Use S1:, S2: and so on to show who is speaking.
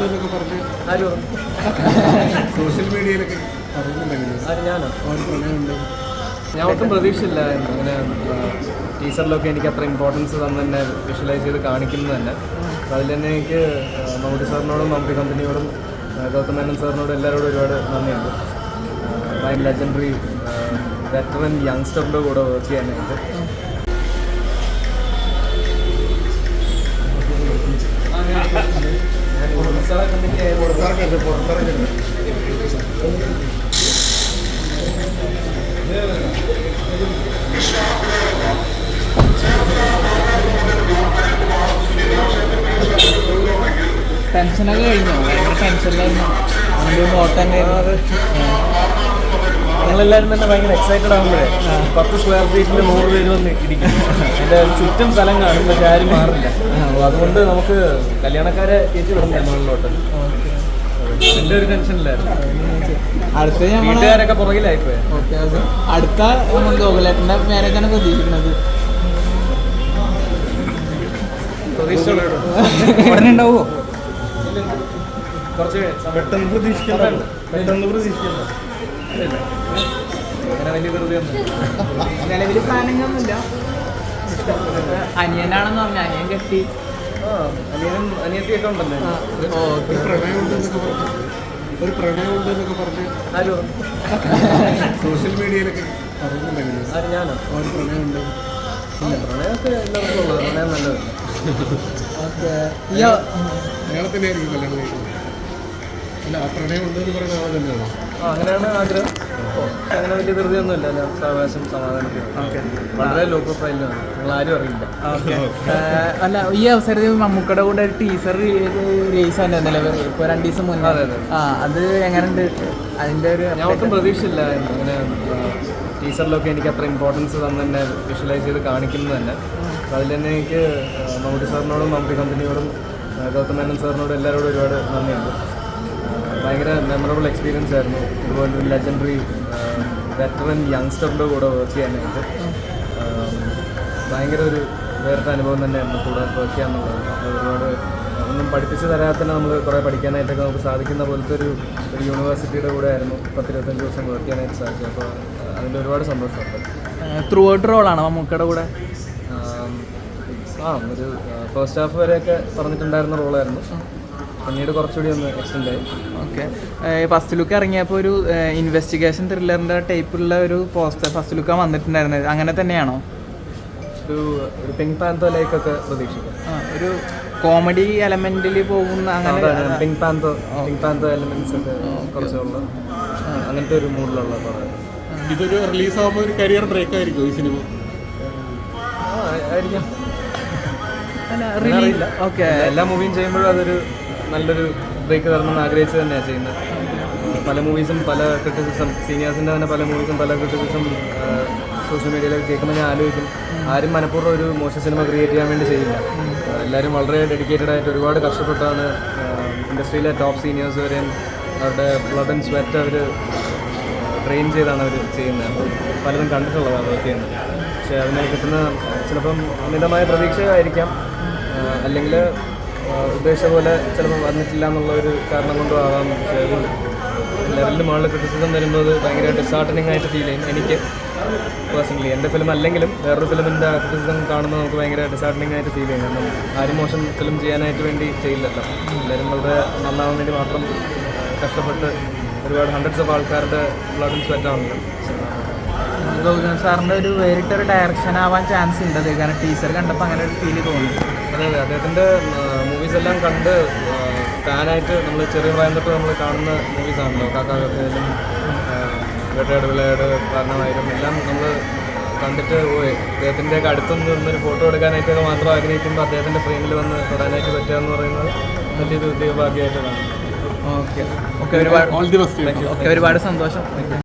S1: പ്രണയമുണ്ടെന്നൊക്കെ പറഞ്ഞ്
S2: ആര്
S1: സോഷ്യൽ മീഡിയയിലൊക്കെ അറിയുന്നുണ്ടെങ്കിലും
S2: ആര് ഞാനോ?
S1: ഒരു പ്രണയമുണ്ട്.
S2: ഞാൻ ഒട്ടും പ്രതീക്ഷയില്ലായിരുന്നു അങ്ങനെ ടീച്ചറിലൊക്കെ എനിക്ക് അത്ര ഇമ്പോർട്ടൻസ് തന്നെ തന്നെ വിഷ്വലൈസ് ചെയ്ത് കാണിക്കുന്നത് തന്നെ. അപ്പോൾ അതിൽ തന്നെ എനിക്ക് മമ്മൂട്ടി സാറിനോടും മമ്മൂട്ടി കമ്പനിയോടും ഗൗതം മേനോൻ സാറിനോടും എല്ലാവരോടും ഒരുപാട് നന്ദിയുണ്ട്. ഭയങ്കര ലെജൻഡറി വെറ്ററൻ യങ്സ്റ്ററിൻ്റെ കൂടെ വർക്ക് ചെയ്യാനായിട്ട്.
S3: ടെൻഷനൊക്കെ കഴിഞ്ഞോ? ഭയങ്കര ടെൻഷനിലായിരുന്നു. ഓട്ടം
S2: ഞങ്ങളെല്ലാവരും തന്നെ ഭയങ്കര എക്സൈറ്റഡ് ആകുമ്പോഴേ 10 സ്ക്വയർ ഫീറ്റിൽ 100 പേര് വന്ന് ഇരിക്കും. എൻ്റെ ചുറ്റും സ്ഥലം കാണും, പക്ഷെ ആരും മാറില്ല. അപ്പോൾ അതുകൊണ്ട് നമുക്ക് കല്യാണക്കാരെ കയറ്റി വിടുന്നില്ല മുകളിലോട്ട്. എൻ്റെ ഒരു ടെൻഷനിലായിരുന്നു.
S3: അടുത്ത
S2: വീട്ടുകാരൊക്കെ പുറകിലായിപ്പോയി.
S3: ഓക്കെ, അടുത്ത ഗോകുലേട്ടൻ്റെ മാരേജാണ് പ്രതീക്ഷിക്കുന്നത്. ഉടനെ ഉണ്ടാവുമോ?
S2: കുറച്ച്
S1: പെട്ടെന്ന് പ്രതീക്ഷിക്കുന്നുണ്ട്.
S2: അങ്ങനെ വലിയ ധൃതിയൊന്നും
S3: നിലവിൽ പ്ലാനിങ് ഒന്നുമില്ല. അനിയനാണെന്ന് പറഞ്ഞ അനിയൻ കെട്ടി
S2: അനിയനും അനിയത്തിയൊക്കെ ഉണ്ടല്ലേ.
S1: ഒരു പ്രണയമുണ്ടെന്നൊക്കെ പറഞ്ഞ്
S2: ആര്
S1: സോഷ്യൽ മീഡിയയിലൊക്കെ അറിയുന്നുണ്ടെങ്കിലും
S2: ആര് ഞാനോ?
S1: ഒരു പ്രണയമുണ്ട്.
S2: പ്രണയമൊക്കെ എല്ലാവർക്കും ഉള്ളത്. പ്രണയം നല്ലത്.
S1: അയാളെ തന്നെയായിരിക്കും കല്യാണം കഴിക്കുന്നത്. അല്ല, ആ പ്രണയമുണ്ടെന്ന് പറയുന്ന ആളെ തന്നെയാണോ?
S2: അങ്ങനെയാണ് ആഗ്രഹം. അങ്ങനെ വലിയ ധൃതിയൊന്നും ഇല്ല. സാവകാശം സമാധാനത്തിൽ വളരെ ലോ പ്രൊഫൈലിലാണ്. നിങ്ങൾ ആരും അറിയില്ല.
S3: അല്ല, ഈ അവസരത്തിൽ മമ്മൂക്കയുടെ കൂടെ ഒരു ടീസർ റിലീസ് ആയിരുന്നല്ലോ ഇപ്പോൾ 2 ദിവസം മുന്നേ.
S2: അതെ അതെ.
S3: അത് എങ്ങനെയുണ്ട്? അതിൻ്റെ ഒരു
S2: ഞാൻ ഒട്ടും പ്രതീക്ഷയില്ലായിരുന്നു അങ്ങനെ ടീച്ചറിലൊക്കെ എനിക്ക് അത്ര ഇമ്പോർട്ടൻസ് തന്നെ തന്നെ വിഷ്വലൈസ് ചെയ്ത് കാണിക്കുന്നത് തന്നെ. അപ്പോൾ അതിൽ തന്നെ എനിക്ക് മമ്മൂട്ടി സാറിനോടും മമ്മൂട്ടി കമ്പനിയോടും ഗൗതം മേനോൻ സാറിനോടും എല്ലാവരോടും ഒരുപാട് നന്ദിയുണ്ട്. ഭയങ്കര മെമ്മറബിൾ എക്സ്പീരിയൻസ് ആയിരുന്നു. ഇതുപോലെ ഒരു ലെജൻഡറി വെറ്ററൻ യങ്സ്റ്ററിൻ്റെ കൂടെ വർക്ക് ചെയ്യാനായിട്ട് ഭയങ്കര ഒരു വേറിട്ട അനുഭവം തന്നെയായിരുന്നു കൂടെ വർക്ക് ചെയ്യാന്നുള്ളത്. ഒരുപാട് ഒന്നും പഠിപ്പിച്ച് തരാതെ തന്നെ നമ്മൾ കുറേ പഠിക്കാനായിട്ടൊക്കെ നമുക്ക് സാധിക്കുന്ന പോലത്തെ ഒരു യൂണിവേഴ്സിറ്റിയുടെ കൂടെ ആയിരുന്നു 10-25 ദിവസം വർക്ക് ചെയ്യാനായിട്ട് സാധിച്ചത്. അപ്പോൾ അതിൻ്റെ ഒരുപാട് സന്തോഷമുണ്ട്.
S3: ത്രൂ ഔട്ട് റോളാണോ മമ്മൂക്കയുടെ കൂടെ?
S2: ഒരു ഫസ്റ്റ് ഹാഫ് വരെയൊക്കെ പറഞ്ഞിട്ടുണ്ടായിരുന്ന റോളായിരുന്നു. പിന്നീട് കുറച്ചുകൂടി ഒന്ന് എക്സ്റ്റെൻഡ് ആയി.
S3: ഓക്കെ, ഫസ്റ്റ് ലുക്ക് ഇറങ്ങിയപ്പോൾ ഒരു ഇൻവെസ്റ്റിഗേഷൻ ത്രില്ലറിൻ്റെ ടൈപ്പുള്ള ഒരു പോസ്റ്റർ ഫസ്റ്റ് ലുക്കാണ് വന്നിട്ടുണ്ടായിരുന്നത്. അങ്ങനെ തന്നെയാണോ?
S2: ഒരു പിങ്ക് പാന്തോ ലൈക്കൊക്കെ പ്രതീക്ഷിക്കും.
S3: ഒരു കോമഡി എലമെന്റിൽ പോകുന്ന അങ്ങനെ
S2: പിങ്ക് പാന്തോ എലമെന്റ്സ് ഒക്കെ കുറച്ചുള്ള അങ്ങനത്തെ ഒരു മൂഡിലുള്ള പടം.
S1: ഇതൊരു റിലീസാകുമ്പോൾ ഒരു കരിയർ ബ്രേക്ക് ആയിരിക്കും ഈ സിനിമ?
S2: ആയിരിക്കാം.
S3: ഓക്കെ,
S2: എല്ലാ മൂവിയും ചെയ്യുമ്പോഴും അതൊരു നല്ലൊരു ബ്രേക്ക് തരണമെന്ന് ആഗ്രഹിച്ച് തന്നെയാണ് ചെയ്യുന്നത്. പല മൂവീസും പല ക്രിറ്റിസിസം, സീനിയേഴ്സിൻ്റെ തന്നെ പല മൂവീസും പല ക്രിറ്റിസിസം സോഷ്യൽ മീഡിയയിലൊക്കെ കേൾക്കുമ്പോൾ ഞാൻ ആലോചിക്കും, ആരും മനഃപൂർവ്വം ഒരു മോശം സിനിമ ക്രിയേറ്റ് ചെയ്യാൻ വേണ്ടി ചെയ്യില്ല. എല്ലാവരും വളരെ ഡെഡിക്കേറ്റഡ് ആയിട്ട് ഒരുപാട് കഷ്ടപ്പെട്ടാണ് ഇൻഡസ്ട്രിയിലെ ടോപ്പ് സീനിയേഴ്സ് വരെയും അവരുടെ ബ്ലഡ് ആൻഡ് സ്വെറ്റ് അവർ ട്രെയിൻ ചെയ്താണ് അവർ ചെയ്യുന്നത്. പലതും കണ്ടിട്ടുള്ളതാണ് വർക്ക് ചെയ്യുന്നത്. പക്ഷേ അതിനെ കിട്ടുന്ന ചിലപ്പം അമിതമായ പ്രതീക്ഷയായിരിക്കാം, അല്ലെങ്കിൽ ഉദ്ദേശിച്ച പോലെ ചിലപ്പോൾ വന്നിട്ടില്ല എന്നുള്ള ഒരു കാരണം കൊണ്ടും ആവാം. പക്ഷേ ഒരു ലെവലിൽ മുകളിൽ ക്രിറ്റിസിസം വരുമ്പോൾ അത് ഭയങ്കര ഡിസാർട്ടനിങ് ആയിട്ട് ഫീൽ ചെയ്യും എനിക്ക് പേഴ്സണലി. എൻ്റെ ഫിലിം അല്ലെങ്കിലും വേറൊരു ഫിലിമിൻ്റെ ക്രിറ്റിസിസം കാണുമ്പോൾ നമുക്ക് ഭയങ്കര ഡിസാർട്ടനിങ് ആയിട്ട് ഫീൽ ചെയ്യും. കാരണം ആരും മോശം ഫിലിം ചെയ്യാനായിട്ട് വേണ്ടി ചെയ്യില്ലല്ലോ. എല്ലാവരും വളരെ നന്നാവാൻ വേണ്ടി മാത്രം കഷ്ടപ്പെട്ട് ഒരുപാട് ഹൺഡ്രഡ്സ് ഓഫ് ആൾക്കാരുടെ ബ്ലഡ് ആൻഡ് സ്വെറ്റ് ആണല്ലോ.
S3: ഗൗതം സാറിൻ്റെ ഒരു വേറിട്ടൊരു ഡയറക്ഷൻ ആവാൻ ചാൻസ് ഉണ്ട് അത്, കാരണം ടീച്ചർ കണ്ടപ്പോൾ അങ്ങനെ ഒരു ഫീല് തോന്നി.
S2: അതെ അതെ, അദ്ദേഹത്തിൻ്റെ മൂവീസ് എല്ലാം കണ്ട് ഫാനായിട്ട് നമ്മൾ ചെറിയ പ്രായം തൊട്ട് നമ്മൾ കാണുന്ന മൂവീസാണല്ലോ. കാക്കാകത്തേലും വേട്ടയാട് വിളയാട് കാരണമായാലും എല്ലാം നമ്മൾ കണ്ടിട്ട് പോയി അദ്ദേഹത്തിൻ്റെയൊക്കെ അടുത്തൊന്ന് നിന്നൊരു ഫോട്ടോ എടുക്കാനായിട്ടൊക്കെ മാത്രം ആഗ്രഹിക്കുമ്പോൾ അദ്ദേഹത്തിൻ്റെ ഫ്രെയിമിൽ വന്ന് തൊടാനായിട്ട് പറ്റുക എന്ന് പറയുന്നത് വലിയൊരു ദൈവഭാഗ്യമായിട്ട് കാണും.
S3: ഓക്കെ, ഒരുപാട് സന്തോഷം.